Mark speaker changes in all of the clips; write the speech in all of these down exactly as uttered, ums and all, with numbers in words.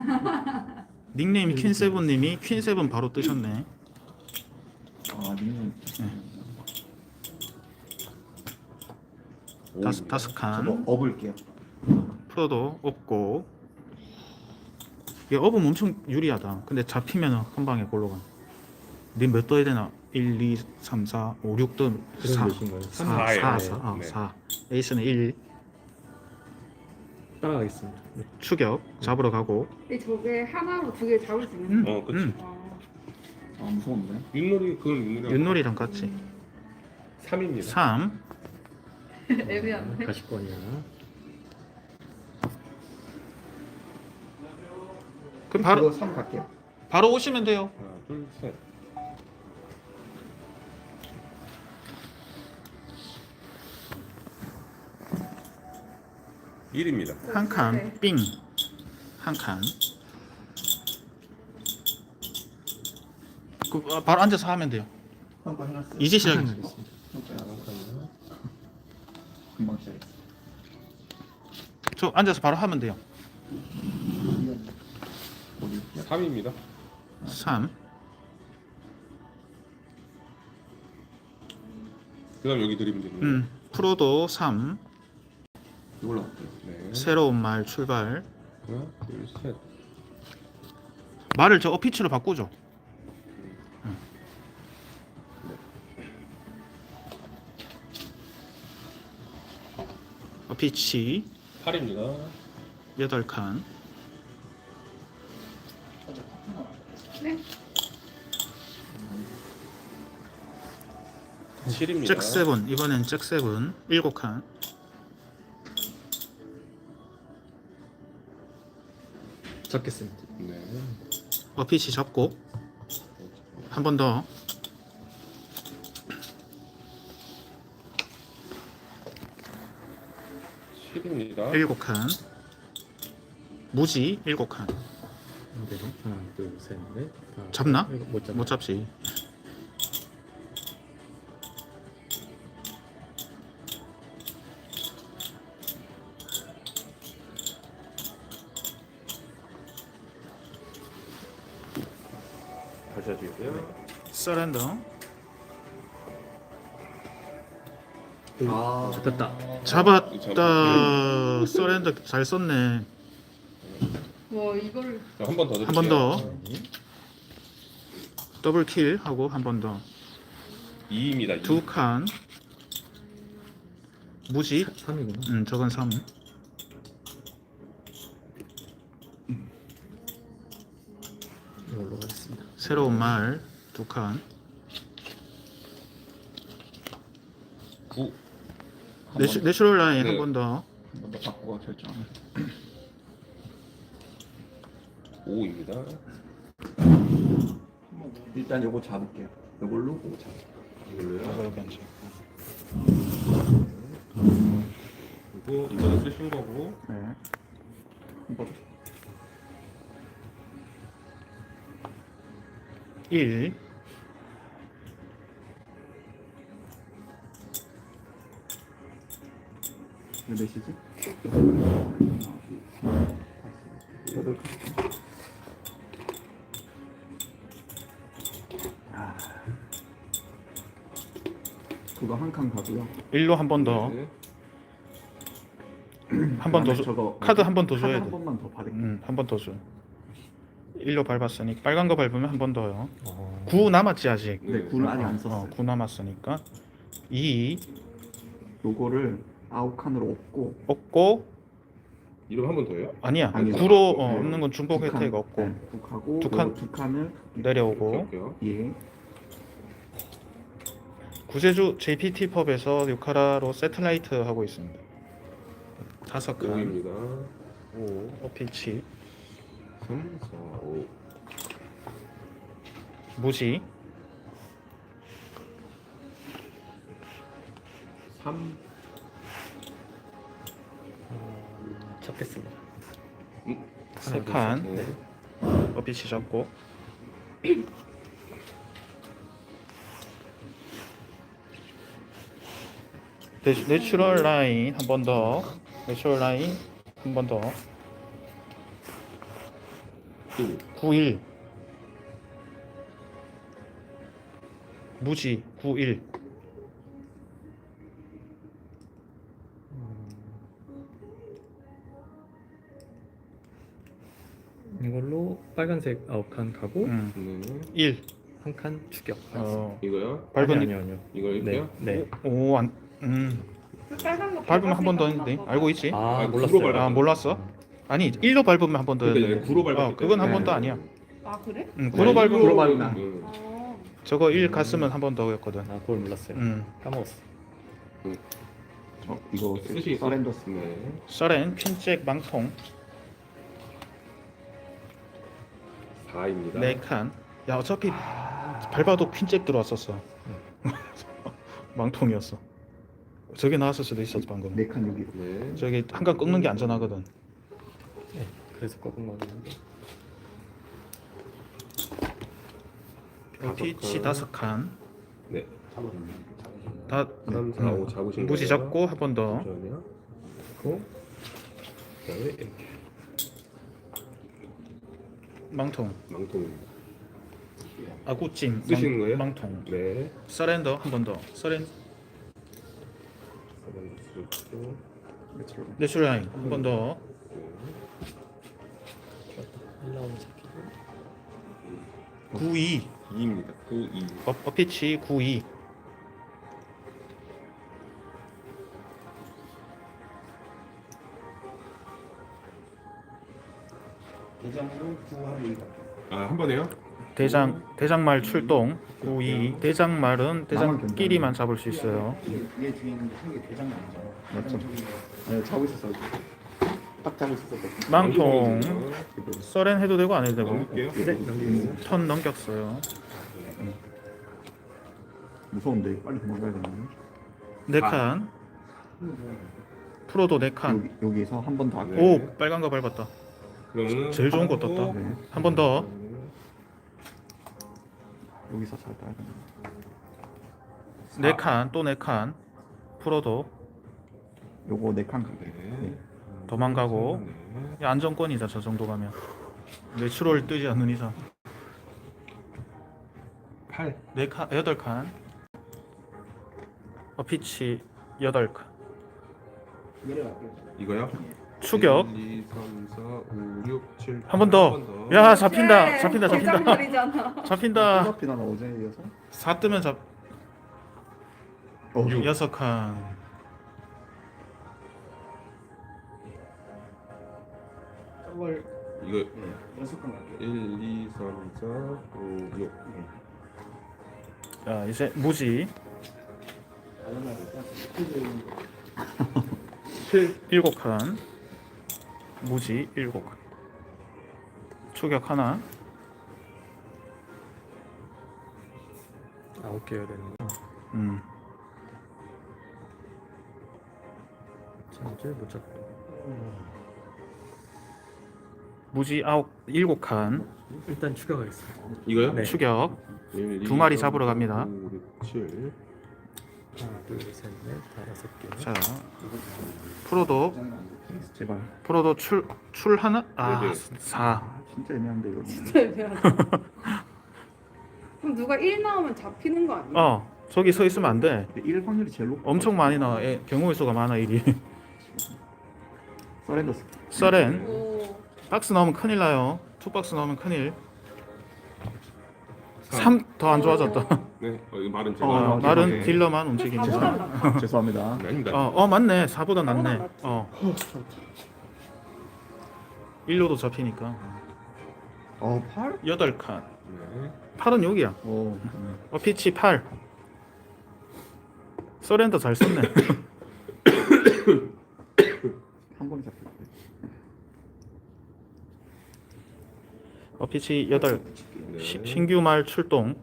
Speaker 1: 닉네임 퀸세븐님이 퀸세븐 바로 뜨셨네.
Speaker 2: 아, 닉네임.
Speaker 1: 다섯 다섯
Speaker 2: 저거
Speaker 1: 칸.
Speaker 2: 업을게요.
Speaker 1: 프로도 없고. 이게 업은 엄청 유리하다. 근데 잡히면 한 방에 골로 가. 님몇 떠야 되나? 일, 이, 삼, 사, 오, 육 떠. 사,
Speaker 3: 몇인가요?
Speaker 1: 사,
Speaker 4: 사예요.
Speaker 1: 사, 사, 아,
Speaker 4: 네.
Speaker 1: 사. 에이스는 일.
Speaker 3: 따라가겠습니다. 네.
Speaker 1: 추격 잡으러 가고.
Speaker 5: 근데 저게 하나로 두 개 잡을 수 있는
Speaker 1: 음.
Speaker 5: 거.
Speaker 4: 어, 그치.
Speaker 1: 음.
Speaker 5: 아,
Speaker 2: 아, 무서운데?
Speaker 4: 윷놀이 그건 윷놀이.
Speaker 1: 윷놀이랑 같이.
Speaker 4: 삼입니다.
Speaker 1: 삼.
Speaker 5: 애매한데.
Speaker 3: 가실 거냐?
Speaker 1: 그럼 바로
Speaker 2: 이거 삼 갈게요.
Speaker 1: 바로 오시면 돼요.
Speaker 4: 하나, 둘, 셋. 일입니다.
Speaker 1: 한 칸,
Speaker 5: 네.
Speaker 1: 삥. 한 칸. 그, 아, 바로 앉아서 하면 돼요.
Speaker 2: 한번 해놨어요.
Speaker 1: 이제 시작이에요.
Speaker 3: 하겠습니다.
Speaker 2: 금방 시작했어.
Speaker 1: 저 앉아서 바로 하면 돼요.
Speaker 2: 어디?
Speaker 4: 삼입니다.
Speaker 1: 삼.
Speaker 4: 그다음 여기 드리면 됩니다.
Speaker 1: 음. 프로도 삼.
Speaker 2: 이걸로 할게요.
Speaker 4: 네.
Speaker 1: 새로운 말 출발.
Speaker 4: 하나, 둘, 셋.
Speaker 1: 말을 저 어피치로 바꾸죠. 음. 어피치
Speaker 4: 팔입니다.
Speaker 1: 여덟 칸.
Speaker 5: 네.
Speaker 4: 칠입니다.
Speaker 1: 잭 세븐. 이번엔 잭 세븐 일곱 칸.
Speaker 3: 잡겠습니다.
Speaker 4: 네.
Speaker 1: 어피치 잡고 한 번 더.
Speaker 4: 칠입니다.
Speaker 1: 일곱 칸. 무지 일곱 칸.
Speaker 3: 네. 하나, 둘, 셋, 넷. 다섯,
Speaker 1: 잡나?
Speaker 3: 일곱. 못 잡.
Speaker 1: 못 잡지.
Speaker 4: 다시 해주세요.
Speaker 1: 서렌더.
Speaker 2: 아,
Speaker 3: 잡혔다.
Speaker 1: 잡았다. 서렌더 잘 썼네.
Speaker 5: 와 이거를
Speaker 4: 한 번 더 드릴게요.
Speaker 1: 한 번 더.
Speaker 3: 네.
Speaker 1: 더블 킬 하고 한 번 더.
Speaker 4: 이입니다. 이.
Speaker 1: 두 칸. 무지.
Speaker 3: 삼이구나.
Speaker 1: 음, 저건 삼.
Speaker 3: 이걸로 가겠습니다.
Speaker 1: 새로운 말 두 칸.
Speaker 4: 구.
Speaker 1: 내추, 내추럴 라인
Speaker 4: 네.
Speaker 1: 한 번 더.
Speaker 2: 한번 더 바꾸고 결정.
Speaker 4: 오입니다.
Speaker 2: 일단 요거 잡을게요. 요걸로 요거 잡.
Speaker 4: 이걸로요.
Speaker 1: 괜찮아.
Speaker 4: 그리고 이거는 쓰신 거고.
Speaker 1: 네.
Speaker 2: 한번
Speaker 1: 일.
Speaker 2: 몇 시지? 여덟 칸. 아. 그거 한 칸 가고요.
Speaker 1: 일로 한 번 더.
Speaker 4: 네.
Speaker 1: 한 번 더
Speaker 2: 그다음에
Speaker 1: 줘.
Speaker 2: 저거
Speaker 1: 카드 한 번 더
Speaker 2: 카드
Speaker 1: 줘야
Speaker 2: 한
Speaker 1: 돼.
Speaker 2: 번만 더 받을게요.
Speaker 1: 음, 한 번 더 줘. 일로 밟았으니 빨간 거 밟으면 한 번 더요.
Speaker 3: 어.
Speaker 1: 구 남았지 아직.
Speaker 2: 네, 구는 아직 안
Speaker 1: 어,
Speaker 2: 썼어요.
Speaker 1: 구 남았으니까 이
Speaker 2: 요거를 아홉 칸으로 없고
Speaker 1: 없고
Speaker 4: 이름 한 번 더요?
Speaker 1: 아니야.
Speaker 2: 아니요.
Speaker 1: 구로 어,
Speaker 2: 네.
Speaker 1: 없는 건 중복
Speaker 2: 두 칸,
Speaker 1: 혜택 없고
Speaker 2: 네, 두 칸하고
Speaker 1: 두 칸.
Speaker 2: 요거 두 칸을
Speaker 1: 내려오고
Speaker 4: 할게요.
Speaker 2: 예.
Speaker 1: 구세주 제이피티 펍에서 유카라로 세틀라이트 하고 있습니다. 다섯 칸.
Speaker 4: 오입니다.
Speaker 1: 오 어피치
Speaker 4: 삼, 사, 오.
Speaker 1: 무지
Speaker 4: 삼.
Speaker 3: 잡겠습니다.
Speaker 1: 세 칸.
Speaker 4: 네.
Speaker 1: 어피치 잡고 내, 내추럴 라인 한 번 더. 내추럴 라인 한 번 더.
Speaker 4: 일.
Speaker 1: 구일. 무지 구일.
Speaker 3: 이걸로 빨간색 아홉 칸 가고
Speaker 1: 음.
Speaker 4: 네.
Speaker 1: 일.
Speaker 3: 한 칸 추격.
Speaker 1: 어.
Speaker 4: 이거요?
Speaker 1: 밟은
Speaker 3: 아니요, 아니요.
Speaker 4: 이거
Speaker 3: 네,
Speaker 4: 이렇게요?
Speaker 3: 네.
Speaker 1: 오, 안. 음.
Speaker 5: 그 빨간 거
Speaker 1: 밟으면 한 번 더
Speaker 5: 밟았으니까
Speaker 1: 했는데.
Speaker 5: 한
Speaker 1: 알고
Speaker 5: 번
Speaker 1: 있지?
Speaker 3: 아,
Speaker 4: 아,
Speaker 3: 몰랐어요.
Speaker 4: 구로
Speaker 1: 아, 몰랐어? 아니, 일로 밟으면 한 번 더
Speaker 4: 그러니까
Speaker 1: 했는데.
Speaker 4: 구로 밟았을
Speaker 1: 어, 그건 한
Speaker 4: 때.
Speaker 1: 번도 아니야.
Speaker 5: 더. 아 그래?
Speaker 1: 음, 구로
Speaker 2: 네,
Speaker 1: 밟으면
Speaker 2: 구로 밟으면.
Speaker 4: 음.
Speaker 5: 아.
Speaker 1: 저거 일 갔으면 한 번 더 했거든.
Speaker 3: 아, 그걸 몰랐어요.
Speaker 1: 음.
Speaker 3: 까먹었어.
Speaker 2: 저 이거
Speaker 4: 쓰시
Speaker 2: 서렌더
Speaker 4: 네.
Speaker 1: 서렌 퀸잭 망통
Speaker 4: 사입니다.
Speaker 1: 네 칸. 야, 어차피 밟아도 퀸잭 들어왔었어. 망통이었어. 저게 나왔을 수도 있었어 방금.
Speaker 2: 네칸 여기.
Speaker 4: 네.
Speaker 1: 저기 한 칸 꺾는 게 안전하거든.
Speaker 3: 네, 그래서 꺾은 거였는데.
Speaker 4: 다섯
Speaker 1: 피치
Speaker 4: 칸.
Speaker 1: 다섯 칸.
Speaker 4: 네.
Speaker 1: 다
Speaker 4: 삼, 사, 오 잡으신
Speaker 1: 무지
Speaker 4: 거예요?
Speaker 1: 잡고 한 번 더.
Speaker 4: 잠시만요. 고 그다음에 이렇게
Speaker 1: 망통.
Speaker 4: 망통입니다.
Speaker 1: 아구찜.
Speaker 4: 쓰시는 거예요?
Speaker 1: 망통.
Speaker 4: 네.
Speaker 1: 서렌더 한 번 더. 서렌
Speaker 4: 쓰고
Speaker 1: 내추럴라인 한 번 더.
Speaker 3: 일 나오면 잡히고.
Speaker 1: 구이.
Speaker 4: 이입니다. 구, 이.
Speaker 1: 어, 어피치 구이.
Speaker 4: 아, 한 번에요?
Speaker 1: 대장 대장말 출동. 구이. 대장말은 대장끼리만 잡을 수 있어요.
Speaker 2: 얘 뒤에 있는 게 대장말이잖아. 맞죠? 네, 잡고 있었어. 딱 잡고 있었어.
Speaker 1: 망통. 서렌 해도 되고 안 해도 되고.
Speaker 4: 넘길게요.
Speaker 3: 네, 넘기겠어요.
Speaker 1: 턴 넘겼어요.
Speaker 2: 무서운데 빨리 도망가야 되는데.
Speaker 1: 네 칸. 프로도 네 칸.
Speaker 2: 여기 여기서 한 번 더 할게요.
Speaker 4: 네.
Speaker 1: 오, 빨간 거 밟았다.
Speaker 4: 그러면은
Speaker 1: 제일 좋은 거
Speaker 4: 하고,
Speaker 1: 떴다.
Speaker 2: 네.
Speaker 1: 한 번 더.
Speaker 2: 여기서 잘 따야 돼.
Speaker 1: 네 칸, 또 네 칸. 프로도
Speaker 2: 요거 네칸 가게.
Speaker 4: 네.
Speaker 2: 네.
Speaker 1: 도망가고.
Speaker 4: 네.
Speaker 1: 야, 안정권이다 저 정도 가면. 내추럴 뜨지 않는 이상.
Speaker 4: 팔.
Speaker 1: 네 칸, 여덟 칸. 어, 피치 여덟 칸.
Speaker 4: 이거요?
Speaker 1: 추격.
Speaker 4: 일, 이, 삼, 사, 오, 육, 칠.
Speaker 1: 한 번 더. 야, 잡힌다. 잡힌다. 잡힌다.
Speaker 5: 대장말이잖아.
Speaker 1: 잡힌다.
Speaker 2: 어차피 난 어제 이어서.
Speaker 1: 사 뜨면 잡.
Speaker 2: 어,
Speaker 1: 여섯 칸.
Speaker 4: 이거 일, 이, 삼, 사, 오, 육.
Speaker 1: 자, 이제 무지. 일곱 칸. 무지 일곱 칸. 추격 하나.
Speaker 3: 아홉 개여야 되는 거.
Speaker 1: 음.
Speaker 3: 전제 못 잡고.
Speaker 1: 무지 아홉 일곱 칸.
Speaker 3: 일단 추격하겠습니다.
Speaker 4: 이거요?
Speaker 3: 네.
Speaker 1: 추격.
Speaker 4: 일, 이,
Speaker 1: 두 마리
Speaker 4: 삼,
Speaker 1: 잡으러
Speaker 4: 사,
Speaker 1: 갑니다.
Speaker 4: 오, 육, 칠.
Speaker 3: 하나, 둘, 셋, 넷, 다섯 개.
Speaker 1: 자, 프로도
Speaker 2: 제발.
Speaker 1: 프로도 출 출 하나. 아,
Speaker 4: 네, 네.
Speaker 1: 사.
Speaker 2: 아, 진짜 애매한데 이거.
Speaker 5: 그럼 누가 일 나오면 잡히는 거 아니야?
Speaker 1: 어, 저기 서 있으면 안 돼.
Speaker 2: 일 확률이 제일 높아.
Speaker 1: 엄청 많이 나와. 애, 경우의 수가 많아 일이.
Speaker 2: 서렌더.
Speaker 1: 서렌.
Speaker 5: 오.
Speaker 1: 박스 나오면 큰일 나요. 투 박스 나오면 큰일. 삼 더 안 좋아졌다.
Speaker 4: 네. 어, 이거 말은 제가.
Speaker 1: 어,
Speaker 2: 어,
Speaker 1: 말은
Speaker 2: 네.
Speaker 1: 딜러만
Speaker 5: 근데
Speaker 1: 움직이면
Speaker 5: 사보다
Speaker 1: 돼.
Speaker 5: 낫다.
Speaker 2: 죄송합니다.
Speaker 4: 네, 아닙니다.
Speaker 1: 어, 어 맞네. 사보다 낫네.
Speaker 5: 사보다 낫지.
Speaker 1: 어. 일로도 잡히니까.
Speaker 2: 어, 팔?
Speaker 1: 여덟 칸.
Speaker 4: 네.
Speaker 1: 팔은 여기야.
Speaker 2: 오.
Speaker 1: 어, 피치 팔. 서렌더 잘 썼네.
Speaker 2: 한 번에 잡힐 때.
Speaker 1: 어, 피치 여덟.
Speaker 4: 네.
Speaker 1: 시- 신규 말 출동.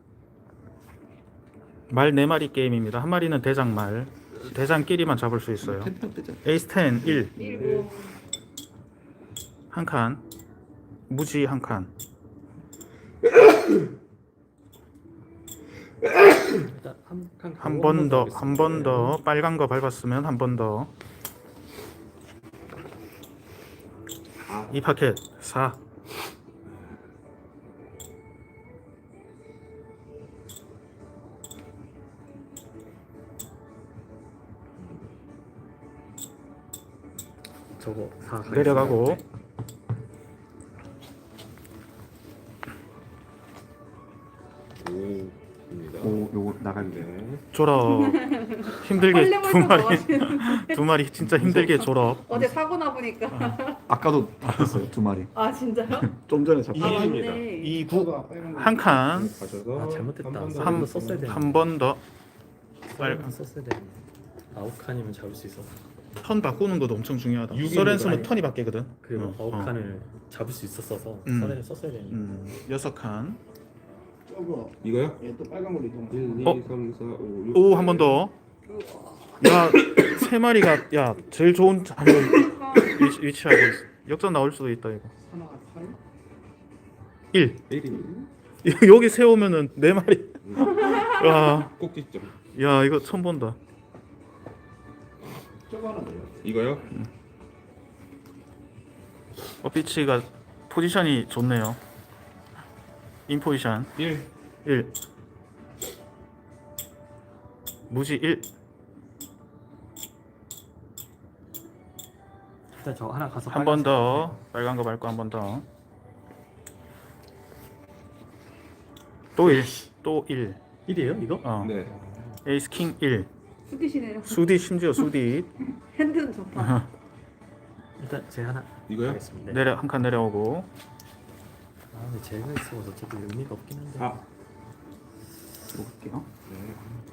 Speaker 1: 말 네 마리 게임입니다. 한 마리는 대장말. 대장끼리만 잡을 수 있어요.
Speaker 2: 텐트 뜨자.
Speaker 1: 에이스 텐 일.
Speaker 5: 일곱.
Speaker 1: 한 칸. 무지 한 칸.
Speaker 3: 일단 한 칸.
Speaker 1: 한 번 더, 한 번 더. 빨간 거 밟았으면 한 번 더. 이 파켓 사.
Speaker 3: 저거 사
Speaker 1: 내려가고
Speaker 4: 오입니다.
Speaker 2: 오 요거 나갔네.
Speaker 4: 네.
Speaker 1: 졸업. 힘들게 두
Speaker 5: 헐레벌떡
Speaker 1: 마리
Speaker 5: 나가시는
Speaker 1: 두 마리 진짜 힘들게 졸업.
Speaker 5: 어제 사고 나 보니까
Speaker 2: 아까도 잡혔어요 두 마리.
Speaker 5: 아 진짜요?
Speaker 2: 좀 전에
Speaker 5: 아
Speaker 2: 잡혔어요.
Speaker 4: 일입니다.
Speaker 5: 맞네.
Speaker 1: 이구 한 칸.
Speaker 4: 가져서
Speaker 3: 아, 잘못됐다.
Speaker 4: 한번 더
Speaker 1: 한,
Speaker 3: 이거 썼어야 되는데.
Speaker 1: 한 번 더.
Speaker 3: 빨간 썼어야 되는데 아홉 칸이면 잡을 수 있었어.
Speaker 1: 턴 바꾸는 것도 엄청 중요하다.
Speaker 4: 육입니다.
Speaker 1: 서렌스는 턴이 바뀌거든.
Speaker 3: 그리고
Speaker 1: 어,
Speaker 3: 아홉
Speaker 1: 어.
Speaker 3: 칸을 잡을 수 있었어서
Speaker 1: 음.
Speaker 3: 서렌을 썼어야 되는데.
Speaker 1: 음, 여섯 칸.
Speaker 2: 저거
Speaker 4: 이거요?
Speaker 2: 얘또 빨간 걸로 이동.
Speaker 4: 일, 이,
Speaker 1: 어?
Speaker 4: 삼, 사, 오, 육.
Speaker 1: 오, 한 번 더. 야, 세 마리가 야 제일 좋은 자리에 위치, 위치하고 있어. 역전 나올 수도 있다 이거.
Speaker 2: 하나가 팔.
Speaker 1: 일.
Speaker 4: 일입니다.
Speaker 1: 여기 세우면은 네 마리. 야,
Speaker 4: 꼭지점.
Speaker 1: 야 이거 처음 본다.
Speaker 2: 저거 하나 돼요.
Speaker 4: 이거요?
Speaker 1: 어피치가 포지션이 좋네요. 인 포지션
Speaker 4: 일.
Speaker 1: 일. 무지 일.
Speaker 3: 일단 저 하나 가서
Speaker 1: 한 번 더. 빨간 거 밟고 한 번 더. 또 일. 또 일.
Speaker 3: 일이에요 이거?
Speaker 1: 어.
Speaker 4: 네.
Speaker 1: 에이스 킹 일.
Speaker 5: 수디시네요.
Speaker 1: 수디 심지어 수디.
Speaker 5: 핸드는 좋다.
Speaker 3: 일단 제 하나
Speaker 4: 이거요?
Speaker 3: 하겠습니다.
Speaker 1: 내려 한 칸 내려오고.
Speaker 3: 아 근데 제가 있어서 어차피 의미가 없긴 한데.
Speaker 4: 아.
Speaker 2: 이거 할게요.
Speaker 4: 네.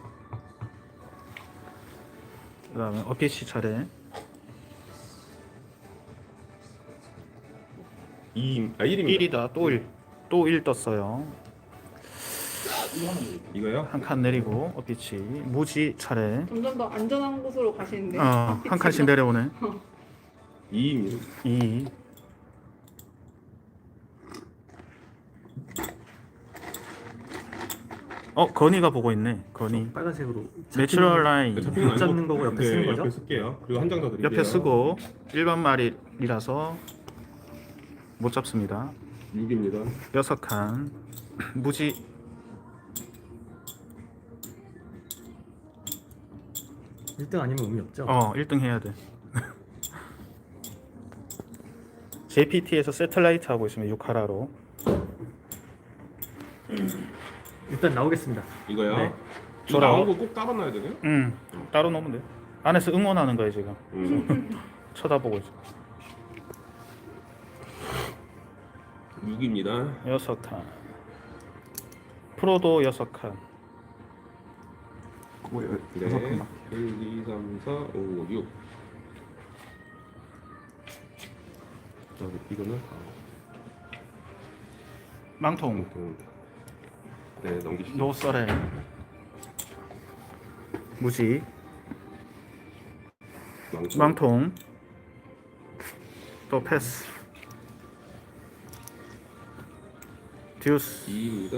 Speaker 1: 그다음에 어피치 차례.
Speaker 4: 이. 아 일입니다.
Speaker 1: 일이다. 또 일. 또 일 떴어요.
Speaker 4: 이거요?
Speaker 1: 한 칸 내리고 어피치. 무지 차례.
Speaker 5: 점점 더 안전한 곳으로 가시는데.
Speaker 1: 어, 한 칸씩 내려오네.
Speaker 4: 이입니다.
Speaker 1: 이. 어, 건이가 보고 있네. 건이.
Speaker 3: 빨간색으로
Speaker 1: 내추럴 라인
Speaker 4: 잡히는 거
Speaker 3: 못 잡는
Speaker 4: 아니고-
Speaker 3: 거고 옆에
Speaker 4: 네,
Speaker 3: 쓰는 거죠?
Speaker 4: 옆에 쓸게요. 그리고 한 장 더 드릴게요.
Speaker 1: 옆에 쓰고 일반 말이라서 못 잡습니다.
Speaker 4: 육입니다.
Speaker 1: 여섯 칸. 무지.
Speaker 3: 일 등 아니면 의미 없죠?
Speaker 1: 어, 일 등 해야 돼. 제이피티에서 세틀라이트 하고 있으면 육 하라로.
Speaker 3: 일단 나오겠습니다.
Speaker 4: 이거요?
Speaker 3: 네.
Speaker 4: 이거
Speaker 1: 저랑-
Speaker 4: 나온 거 꼭 따로 놔야 되나요?
Speaker 1: 응. 따로 놓으면 돼. 안에서 응원하는 거야 지금.
Speaker 4: 음.
Speaker 1: 쳐다보고 있어.
Speaker 4: 육입니다.
Speaker 1: 여섯 칸. 프로도 여섯 칸.
Speaker 2: 그거 여-
Speaker 4: 네.
Speaker 2: 여섯 칸.
Speaker 4: 일, 이, 삼, 사, 오, 육. 자, 이거는
Speaker 1: 망통.
Speaker 4: 아무튼 네 넘기시죠.
Speaker 1: 노설에. 무지.
Speaker 4: 망통.
Speaker 1: 망통. 또 패스. 듀스.
Speaker 4: 이입니다.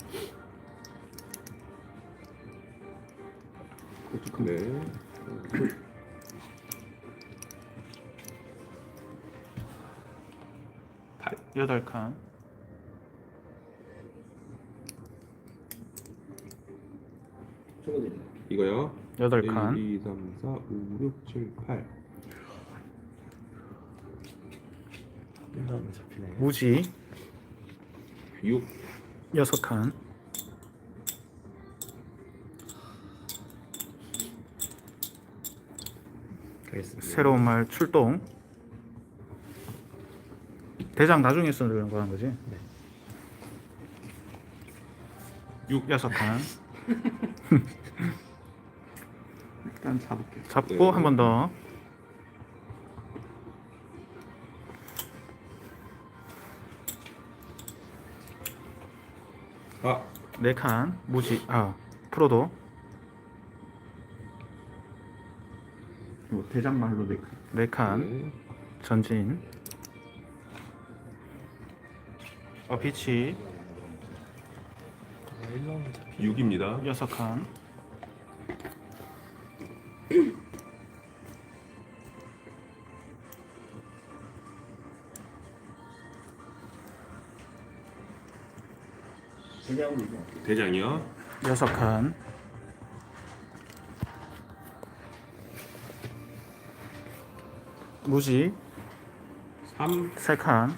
Speaker 4: 네.
Speaker 1: 여덟 칸.
Speaker 2: 저거 드려요.
Speaker 4: 이거요.
Speaker 1: 여덟
Speaker 4: 일,
Speaker 1: 칸.
Speaker 4: 이, 삼, 사, 오, 육, 칠, 팔.
Speaker 3: 끝나면 잡히네.
Speaker 1: 무지.
Speaker 4: 육.
Speaker 1: 여섯 칸.
Speaker 3: 가겠습니다.
Speaker 1: 새로운 말 출동. 대장 나중에 쓰는 거란 거지.
Speaker 3: 네.
Speaker 1: 육 여섯 칸.
Speaker 2: 일단 잡을게요.
Speaker 1: 잡고
Speaker 4: 네.
Speaker 1: 한 번 더.
Speaker 4: 아.
Speaker 1: 네 칸. 무지. 아, 프로도.
Speaker 2: 이거 대장말로 네 칸.
Speaker 1: 네 칸.
Speaker 4: 네.
Speaker 1: 전진. 어, 피치.
Speaker 3: 아, 일 라운드 잡히.
Speaker 4: 육입니다.
Speaker 1: 여섯 칸.
Speaker 2: 대장으로 이동.
Speaker 4: 대장이요.
Speaker 1: 여섯 칸. 무지.
Speaker 4: 삼.
Speaker 1: 세 칸.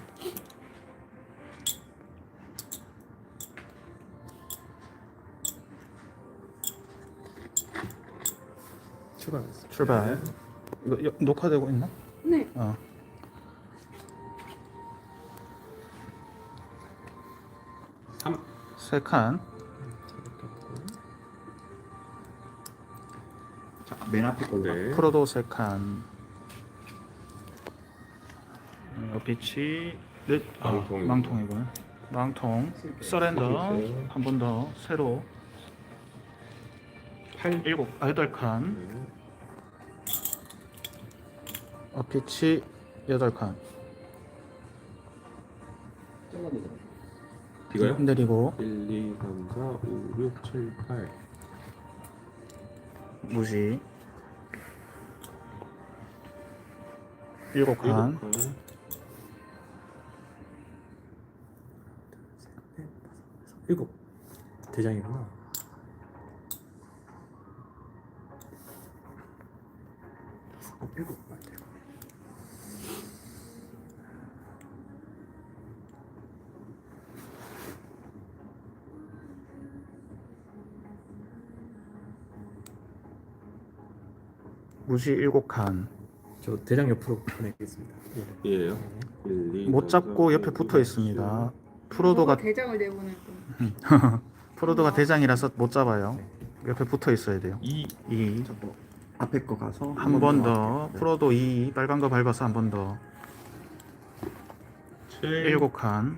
Speaker 3: 출발했어.
Speaker 1: 출발. 이거 여- 녹화되고 있나?
Speaker 5: 네.
Speaker 1: 어.
Speaker 4: 삼.
Speaker 1: 세 칸.
Speaker 2: 자, 맨 앞에 걸로.
Speaker 4: 네.
Speaker 1: 프로도 세 칸. 어, 빛이 넷. 아,
Speaker 4: 망통이고.
Speaker 1: 망통이군. 망통. 서렌더. 한 번 더. 새로.
Speaker 4: 팔.
Speaker 1: 일곱. 아, 여덟 칸.
Speaker 4: 네.
Speaker 1: 어, 빛이 여덟 칸.
Speaker 4: 이거요?
Speaker 1: 내리고
Speaker 4: 일, 이, 삼, 사, 오, 육, 칠, 팔.
Speaker 1: 무지. 일곱 칸.
Speaker 4: 일곱 칸.
Speaker 3: 일곱. 대장이구나. 다섯, 일곱. 맞아요.
Speaker 1: 무지 일곱 칸.
Speaker 3: 저 대장 옆으로 보내겠습니다. 예.
Speaker 4: 얘예요. 일, 이,
Speaker 1: 못
Speaker 4: 삼,
Speaker 1: 잡고
Speaker 4: 사,
Speaker 1: 옆에
Speaker 4: 오,
Speaker 1: 붙어
Speaker 4: 육,
Speaker 1: 있습니다.
Speaker 5: 저거
Speaker 1: 프로도가
Speaker 5: 대장을 내보낼 거.
Speaker 1: 프로도가 대장이라서 못 잡아요. 옆에 붙어 있어야 돼요.
Speaker 4: 이.
Speaker 1: 이.
Speaker 2: 뭐 앞에 거 가서
Speaker 1: 한 번 더.
Speaker 2: 앞에. 네.
Speaker 1: 프로도 이. 빨간 거 밟아서 한 번 더.
Speaker 4: 칠.
Speaker 1: 일곱 칸.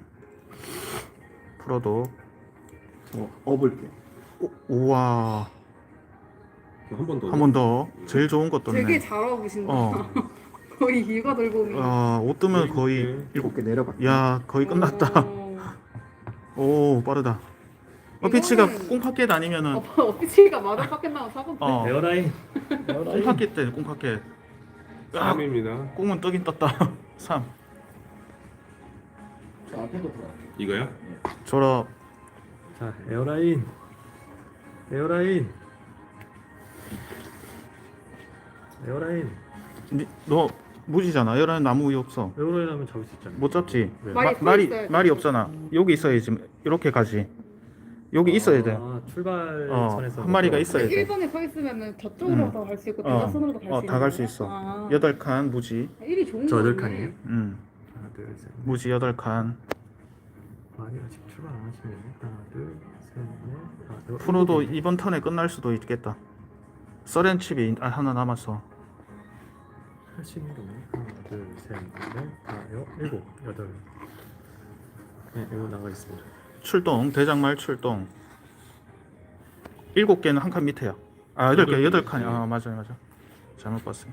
Speaker 1: 프로도.
Speaker 2: 어, 업을게.
Speaker 1: 오, 우와.
Speaker 4: 한 번 더.
Speaker 1: 한 번 더. 제일 좋은 거
Speaker 5: 되게
Speaker 1: 떴네.
Speaker 5: 잘 어보신다.
Speaker 1: 어.
Speaker 5: 거의 일과 돌봄이.
Speaker 1: 어, 옷 뜨면 거의
Speaker 2: 일곱 개 내려가.
Speaker 1: 야, 거의 끝났다.
Speaker 5: 어.
Speaker 1: 오, 빠르다. 어, 피치가
Speaker 5: 이거는-
Speaker 1: 꽁파켓 아니면은
Speaker 5: 어, 어피치가 마당 밖에 나면 사건데.
Speaker 1: 어.
Speaker 3: 에어라인. 에어라인.
Speaker 1: 꽁파켓 때 꽁파켓. 야,
Speaker 4: 삼입니다.
Speaker 1: 꽁은 뜨긴 떴다. 삼.
Speaker 2: 저 앞에도 들어.
Speaker 4: 이거요?
Speaker 1: 졸업.
Speaker 3: 자, 에어라인. 에어라인. 에어라인.
Speaker 1: 니, 너 무지잖아. 여러분 나무 위에 없어.
Speaker 3: 에어라인 하면 잡을 수 있잖아.
Speaker 1: 못 잡지.
Speaker 3: 왜?
Speaker 5: 말이
Speaker 1: 마-
Speaker 5: 서
Speaker 1: 말이
Speaker 5: 있어야지.
Speaker 1: 말이 없잖아. 여기 있어야지. 이렇게 가지. 여기 있어야 돼.
Speaker 3: 아, 출발선에서
Speaker 1: 어, 한 마리가 있어야 돼.
Speaker 5: 일 번에 서 있으면 저쪽으로
Speaker 1: 음.
Speaker 5: 더 갈 수 있고
Speaker 1: 어.
Speaker 5: 대각선으로도 갈 수
Speaker 1: 어,
Speaker 5: 있는
Speaker 1: 다 갈 수
Speaker 5: 거예요?
Speaker 1: 있어.
Speaker 5: 아.
Speaker 1: 여덟 칸 무지.
Speaker 5: 일이 좋은
Speaker 3: 저 여덟
Speaker 5: 거네.
Speaker 3: 칸이에요?
Speaker 1: 음.
Speaker 3: 하나, 둘, 셋.
Speaker 1: 무지 여덟 칸.
Speaker 3: 아니 아직 출발 안 하시네. 하나, 둘, 셋, 넷, 다섯, 여섯,
Speaker 1: 프로도
Speaker 3: 일곱.
Speaker 1: 이번 턴에 끝날 수도 있겠다. 서렌 칩이 아, 하나 남았어.
Speaker 3: 팔십일 개. 하나, 둘, 셋, 넷, 다, 여, 일곱, 여덟. 네, 이거 나가 있습니다.
Speaker 1: 출동. 대장말 출동. 일곱 개는 한 칸 밑에야. 아, 여덟 개,
Speaker 4: 여덟
Speaker 1: 여덟
Speaker 4: 개.
Speaker 1: 칸이. 아, 맞아요, 맞아. 잘못 봤어요.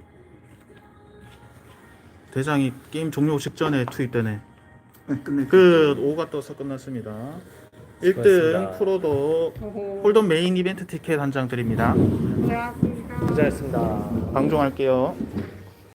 Speaker 1: 대장이 게임 종료 직전에 투입되네.
Speaker 2: 네, 끝내.
Speaker 1: 그 오가 떠서 끝났습니다. 일 등
Speaker 3: 수고하셨습니다.
Speaker 1: 프로도
Speaker 5: 어허.
Speaker 1: 홀덤 메인 이벤트 티켓 한 장 드립니다.
Speaker 5: 고생하셨습니다.
Speaker 3: 고생하셨습니다.
Speaker 1: 방종할게요.